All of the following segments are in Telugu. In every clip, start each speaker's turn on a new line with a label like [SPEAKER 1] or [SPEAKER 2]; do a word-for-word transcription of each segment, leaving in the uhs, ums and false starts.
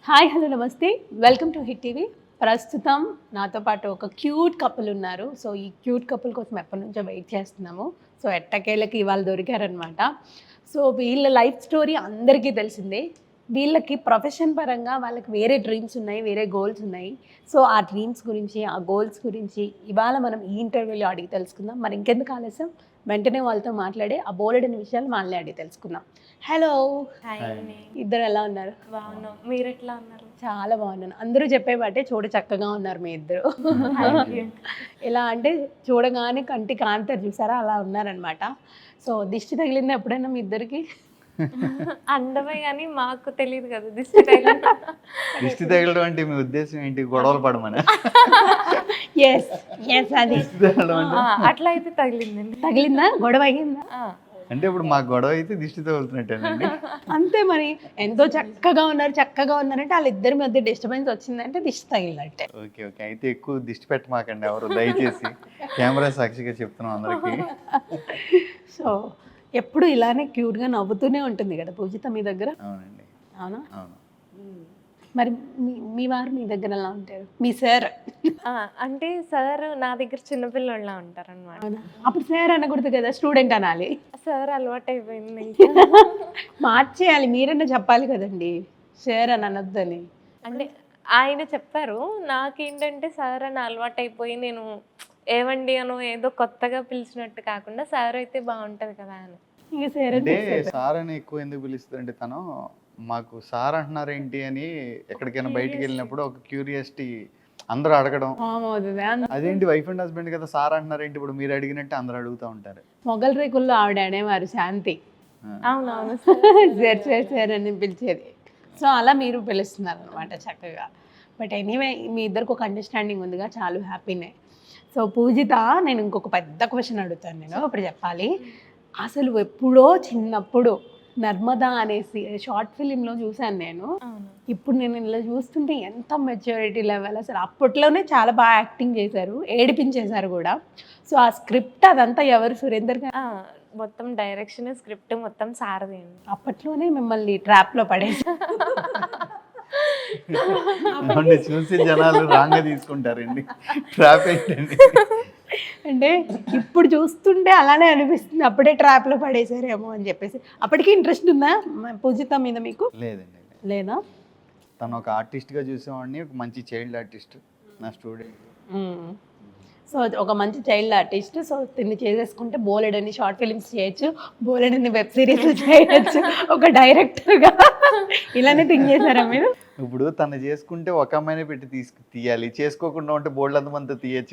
[SPEAKER 1] హాయ్ హలో నమస్తే వెల్కమ్ టు హిట్ టీవీ. ప్రస్తుతం నాతో పాటు ఒక క్యూట్ కపుల్ ఉన్నారు. సో ఈ క్యూట్ కపుల్ కోసం ఎప్పటి నుంచో వెయిట్ చేస్తున్నాము. సో ఎట్టకేళ్ళకి ఇవాళ దొరికారనమాట. సో వీళ్ళ లైఫ్ స్టోరీ అందరికీ తెలిసిందే. వీళ్ళకి ప్రొఫెషన్ పరంగా వాళ్ళకి వేరే డ్రీమ్స్ ఉన్నాయి, వేరే గోల్స్ ఉన్నాయి. సో ఆ డ్రీమ్స్ గురించి, ఆ గోల్స్ గురించి ఇవాళ మనం ఈ ఇంటర్వ్యూలో అడిగి తెలుసుకుందాం. మరి ఇంకెందుకు ఆలస్యం, వెంటనే వాళ్ళతో మాట్లాడి ఆ బోలెడని విషయాలు వాళ్ళే అడిగి తెలుసుకుందాం. హలో, ఇద్దరు ఎలా ఉన్నారు?
[SPEAKER 2] బాగున్నాం, మీరు ఎట్లా ఉన్నారు?
[SPEAKER 1] చాలా బాగున్నాను. అందరూ చెప్పేవాటే చూడ చక్కగా ఉన్నారు మీ ఇద్దరు. ఎలా అంటే చూడగానే కంటి కాంతారు చూసారా, అలా ఉన్నారనమాట. సో దిష్టి తగిలింది ఎప్పుడైనా మీ ఇద్దరికి?
[SPEAKER 2] అందమే కానీ మాకు తెలియదు కదా దిష్టి తగిలిన.
[SPEAKER 3] దిష్టి తగలడం అంటే మీ ఉద్దేశం ఏంటి? గొడవలు పడమని?
[SPEAKER 1] ఎస్ ఎస్ అది
[SPEAKER 2] అట్లా అయితే తగిలిందండి.
[SPEAKER 1] తగిలిందా? గొడవ అయ్యిందా?
[SPEAKER 3] అంటే ఇప్పుడు మా గొడవ అయితే దిష్టి తగులుతున్నట్టేనండి.
[SPEAKER 1] అంతే మరి. ఎంతో చక్కగా ఉన్నారు, చక్కగా ఉన్నారంటే వాళ్ళిద్దరి మధ్య డిస్టర్బెన్స్ వచ్చిందంటే దిష్టి తగిలినట్టే.
[SPEAKER 3] ఓకే ఓకే అయితే ఎక్కువ దిష్టి పెట్టమాకండి ఎవరు, దయచేసి. కెమెరా సాక్షిగా చెప్తున్నాం అందరికి.
[SPEAKER 1] సో ఎప్పుడు ఇలానే క్యూట్గా నవ్వుతూనే ఉంటుంది కదా పూజిత మీ దగ్గర?
[SPEAKER 3] అవునండి.
[SPEAKER 1] అవునా?
[SPEAKER 3] అవును.
[SPEAKER 1] మరి మీ మీ వారు మీ దగ్గర ఎలా ఉంటారు? మీ సార్
[SPEAKER 2] అంటే సార్ నా దగ్గర చిన్నపిల్లలా ఉంటారు అనమాట.
[SPEAKER 1] అవునా? అప్పుడు సార్ అనకూడదు కదా, స్టూడెంట్ అనాలి.
[SPEAKER 2] సార్ అలవాటు అయిపోయింది.
[SPEAKER 1] మార్చేయాలి, మీరన్నా చెప్పాలి కదండి సార్ అని అనొద్దని.
[SPEAKER 2] అంటే ఆయన చెప్పారు, నాకేంటంటే సార్ అని అలవాటు అయిపోయి నేను ఏవండి అనో ఏదో కొత్తగా పిలిచినట్టు కాకుండా సార్ అయితే బాగుంటది కదా అని.
[SPEAKER 1] ఇక సార్
[SPEAKER 3] అంటే సార్ అని ఎక్కువ ఎందుకు పిలుస్తుందంటే తను మాకు సార్ అంటున్నారు ఏంటి అని ఎక్కడికైనా బయటికి వెళ్ళినప్పుడు ఒక క్యూరియాసిటీ అందరూ అడగడం. అదేంటి వైఫ్ అండ్ హస్బెండ్ కదా సార్ అంటున్నారు ఏంటి ఇప్పుడు మీరు అడిగినట్టు అందరూ అడుగుతూ ఉంటారు.
[SPEAKER 1] మొగల్ రేకుల్లో ఆవిడ అనేవారు శాంతి.
[SPEAKER 2] అవునవును,
[SPEAKER 1] సార్ సార్ సార్ అని పిలిచేది. సో అలా మీరు పిలుస్తున్నారు అనమాట చక్కగా. బట్ ఎనీవే మీ ఇద్దరికి ఒక అండర్స్టాండింగ్ ఉందిగా, చాలా హ్యాపీనే. సో పూజిత, నేను ఇంకొక పెద్ద క్వశ్చన్ అడుగుతాను. నేను ఇప్పుడు చెప్పాలి. అసలు ఎప్పుడో చిన్నప్పుడు నర్మదా అనేసి షార్ట్ ఫిలింలో చూశాను నేను. ఇప్పుడు నేను ఇలా చూస్తుంటే ఎంత మెచ్యూరిటీ లెవెల్ అసలు. అప్పట్లోనే చాలా బాగా యాక్టింగ్ చేశారు, ఏడిపించేశారు కూడా. సో ఆ స్క్రిప్ట్ అదంతా ఎవరు? సురేందర్ గారు
[SPEAKER 2] మొత్తం డైరెక్షన్ స్క్రిప్ట్ మొత్తం సారది.
[SPEAKER 1] అప్పట్లోనే మిమ్మల్ని ట్రాప్లో పడేసి
[SPEAKER 3] చూసి జనాలు రాంగ్ తీసుకుంటారండి. ట్రాప్ ఏంటండి
[SPEAKER 1] అంటే ఇప్పుడు చూస్తుంటే అలానే అనిపిస్తుంది, అప్పుడే ట్రాప్లో పడేసారేమో అని చెప్పేసి. అప్పటికి ఇంట్రెస్ట్ ఉందా పూజిత మీద మీకు?
[SPEAKER 3] లేదండి.
[SPEAKER 1] లేదా?
[SPEAKER 3] తను ఒక ఆర్టిస్ట్గా చూసేవాడిని, ఒక మంచి చైల్డ్ ఆర్టిస్ట్, నా స్టూడెంట్.
[SPEAKER 1] సో ఒక మంచి చైల్డ్ ఆర్టిస్ట్. సో తిన్ని చేసేసుకుంటే బోలెడని షార్ట్ ఫిలిమ్స్ చేయొచ్చు, బోలెడని వెబ్ సిరీస్ చేయొచ్చు ఒక డైరెక్టర్గా. ఇలానే థింక్ చేశారా మీరు?
[SPEAKER 3] ఇప్పుడు తను చేసుకుంటే ఒక అమ్మాయినే పెట్టి తీసుకు తీయాలి, చేసుకోకుండా ఉంటే బోల్డ్ అంతమంది తీయచ్చు.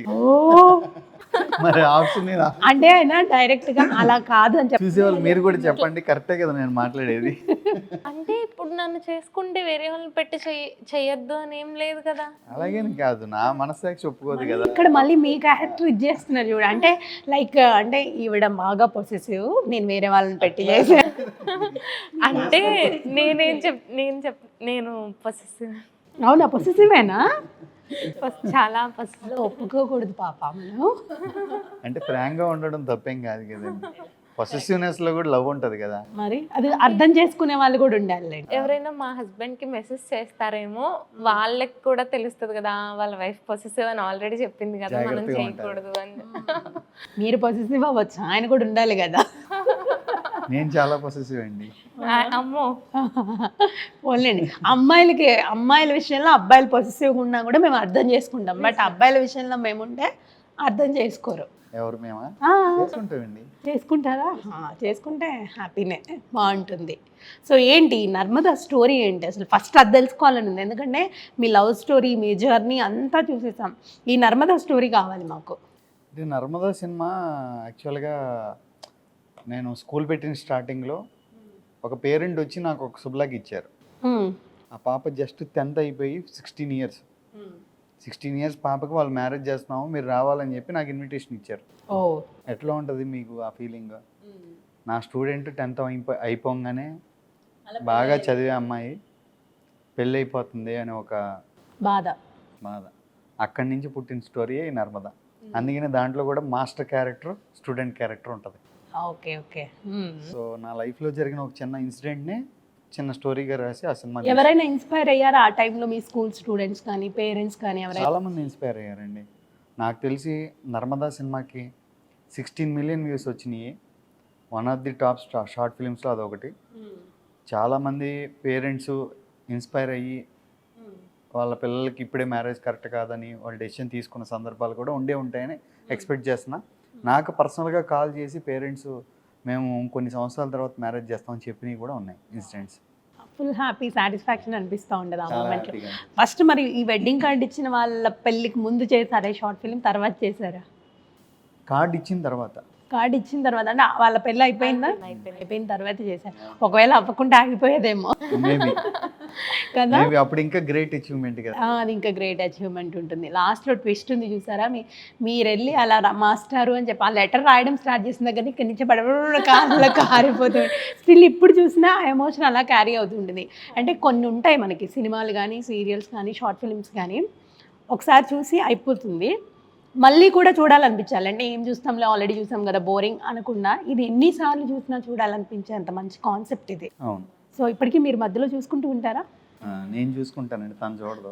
[SPEAKER 3] మరి ఆప్షన్
[SPEAKER 1] అంటే ఆయన డైరెక్ట్ గా అలా కాదు అని చెప్పి
[SPEAKER 3] చూసేవాళ్ళు మీరు కూడా చెప్పండి. కరెక్టే కదా నేను మాట్లాడేది?
[SPEAKER 2] అంటే ఇప్పుడు నన్ను చేసుకుంటే వేరే వాళ్ళని పెట్టి చెయ్యొద్దు అని ఏం లేదు కదా.
[SPEAKER 3] అలాగేని కాదు, నా మనస్సాక్షి ఒప్పుకోదు కదా.
[SPEAKER 1] ఇక్కడ మళ్ళీ మీ క్యారెక్టర్ ఇది చేస్తున్నారు చూడ. అంటే లైక్ అంటే ఈవిడ బాగా పొసెసివ్, నేను వేరే వాళ్ళని పెట్టి చేశాను
[SPEAKER 2] అంటే నేనేం చెప్ నేను చెప్ నేను పొసెసివ్.
[SPEAKER 1] అవునా? పొసెసివేనా?
[SPEAKER 2] చాలా పొసెసివ్.
[SPEAKER 1] ఒప్పుకోకూడదు పాప మనం.
[SPEAKER 3] అంటే ఫ్రాంక్ గా ఉండడం తప్పేం కాదు కదండి. పొసెసివ్నెస్ లో కూడా లవ్ ఉంటది కదా.
[SPEAKER 1] మరి అది అర్థం చేసుకునే వాళ్ళు కూడా ఉండాలి.
[SPEAKER 2] ఎవరైనా మా హస్బెండ్ కి మెసేజ్ చేస్తారేమో, వాళ్ళకి కూడా తెలుస్తుంది కదా వాళ్ళ వైఫ్ పొసెసివ్ అని ఆల్రెడీ చెప్పింది కదా, మనం చేయకూడదు అని.
[SPEAKER 1] మీరు పొసెసివ్ అవ్వచ్చు, ఆయన కూడా ఉండాలి కదా.
[SPEAKER 3] నేను చాలా పొసెసివ్ అండి.
[SPEAKER 2] అమ్మో,
[SPEAKER 1] ఓన్లేండి అమ్మాయిలకి, అమ్మాయిల విషయంలో అబ్బాయిలు పొసెసివ్గా ఉన్నా కూడా మేము అర్థం చేసుకుంటాం. బట్ అబ్బాయిల విషయంలో మేముంటే అర్థం చేసుకోరు.
[SPEAKER 3] ఎవరు? మేమా? చేసుకుంటామండి.
[SPEAKER 1] చేసుకుంటారా? చేసుకుంటే హ్యాపీనే, బాగుంటుంది. సో ఏంటి నర్మదా స్టోరీ ఏంటి అసలు? ఫస్ట్ అది తెలుసుకోవాలని ఉంది, ఎందుకంటే మీ లవ్ స్టోరీ, మీ జర్నీ అంతా చూసేసాం. ఈ నర్మదా స్టోరీ కావాలి మాకు.
[SPEAKER 3] ఇది నర్మదా సినిమా యాక్చువల్గా నేను స్కూల్ పెట్టిన స్టార్టింగ్లో ఒక పేరెంట్ వచ్చి నాకు ఒక శుభ్లాగ్ ఇచ్చారు. ఆ పాప జస్ట్ టెన్త్ అయిపోయి సిక్స్టీన్ ఇయర్స్ సిక్స్టీన్ ఇయర్స్ పాపకి వాళ్ళు మ్యారేజ్ చేస్తున్నాము, మీరు రావాలని చెప్పి నాకు ఇన్విటేషన్ ఇచ్చారు.
[SPEAKER 1] ఓ,
[SPEAKER 3] ఎట్లా ఉంటుంది మీకు ఆ ఫీలింగ్? నా స్టూడెంట్ టెన్త్ అయిపో అయిపోగానే బాగా చదివే అమ్మాయి పెళ్ళి అయిపోతుంది అని ఒక బాధ బాధ అక్కడి నుంచి పుట్టిన స్టోరీ నర్మదా. అందుకనే దాంట్లో కూడా మాస్టర్ క్యారెక్టర్, స్టూడెంట్ క్యారెక్టర్ ఉంటుంది.
[SPEAKER 1] Okay okay.
[SPEAKER 3] సో నా లైఫ్లో జరిగిన ఒక చిన్న ఇన్సిడెంట్ని చిన్న స్టోరీగా రాసి ఆ సినిమా
[SPEAKER 1] ఎవరైనా ఇన్స్పైర్ అయ్యారా ఆ టైంలో మీ స్కూల్ స్టూడెంట్స్ కానీ పేరెంట్స్ కానీ ఎవరైనా?
[SPEAKER 3] చాలామంది ఇన్స్పైర్ అయ్యారండి. నాకు తెలిసి నర్మదా సినిమాకి సిక్స్టీన్ మిలియన్ వ్యూస్ వచ్చినాయి. వన్ ఆఫ్ ది టాప్ స్టా షార్ట్ ఫిలిమ్స్లో అదొకటి. చాలామంది పేరెంట్స్ ఇన్స్పైర్ అయ్యి వాళ్ళ పిల్లలకి ఇప్పుడే మ్యారేజ్ కరెక్ట్ కాదని వాళ్ళు డెసిషన్ తీసుకున్న సందర్భాలు కూడా ఉండే ఉంటాయని ఎక్స్పెక్ట్ చేస్తున్నా. నాకు పర్సనల్గా కాల్ చేసి పేరెంట్స్ మేము కొన్ని సంవత్సరాల తర్వాత మ్యారేజ్ చేస్తామని చెప్పినవి కూడా ఉన్నాయి ఇన్సిడెంట్స్.
[SPEAKER 1] ఫుల్ హ్యాపీ సాటిస్ఫాక్షన్ అనిపిస్తూ ఉండదు ఆ
[SPEAKER 3] చాలా
[SPEAKER 1] మూమెంట్లో.
[SPEAKER 3] హ్యాపీగా.
[SPEAKER 1] ఫస్ట్ మరి ఈ వెడ్డింగ్ కార్డ్ ఇచ్చిన వాళ్ళ పెళ్ళికి ముందు చేశారా షార్ట్ ఫిల్మ్, తర్వాత చేశారా?
[SPEAKER 3] కార్డ్ ఇచ్చిన తర్వాత
[SPEAKER 1] కార్డ్ ఇచ్చిన తర్వాత అంటే వాళ్ళ పెళ్ళి అయిపోయిందా?
[SPEAKER 2] అయిపోయింది.
[SPEAKER 1] అయిపోయిన తర్వాత చేశారు. ఒకవేళ అవ్వకుండా ఆగిపోయేదేమో
[SPEAKER 3] మేబీ
[SPEAKER 1] కదా.
[SPEAKER 3] మేబీ అప్పుడు ఇంకా గ్రేట్ అచీవ్మెంట్ కదా.
[SPEAKER 1] ఆ, అది ఇంకా గ్రేట్ అచీవ్మెంట్ ఉంటుంది. లాస్ట్లో ట్విస్ట్ ఉంది చూసారా, మీ మీరు వెళ్ళి అలా రా- మాస్టారు అని చెప్పి ఆ లెటర్ రాయడం స్టార్ట్ చేసిన దగ్గర ఇక్కడి నుంచి పడబడ కాళ్ళలో కారిపోతుంది. స్టిల్ ఇప్పుడు చూసినా ఆ ఎమోషన్ అలా క్యారీ అవుతుంటుంది. అంటే కొన్ని ఉంటాయి మనకి సినిమాలు కానీ సీరియల్స్ కానీ షార్ట్ ఫిల్మ్స్ కానీ ఒకసారి చూసి అయిపోతుంది, మళ్ళీ కూడా చూడాలనిపించాలి. అంటే ఏం చూస్తాంలే ఆల్రెడీ చూసాం కదా బోరింగ్ అనకుండా ఇది ఎన్నిసార్లు చూసినా చూడాలనిపించే అంత మంచి కాన్సెప్ట్ ఇది.
[SPEAKER 3] అవును.
[SPEAKER 1] సో ఇప్పటికీ మీరు మధ్యలో చూసుకుంటూ ఉంటారా?
[SPEAKER 3] ఆ, నేను చూసుకుంటానండి, తను చూడదు.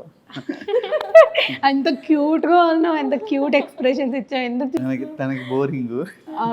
[SPEAKER 1] ఎంత క్యూట్గా ఉన్నావు, ఎంత క్యూట్ ఎక్స్ప్రెషన్స్ ఇచ్చావు, ఎందుకు
[SPEAKER 3] తనకి తనకి బోరింగ్.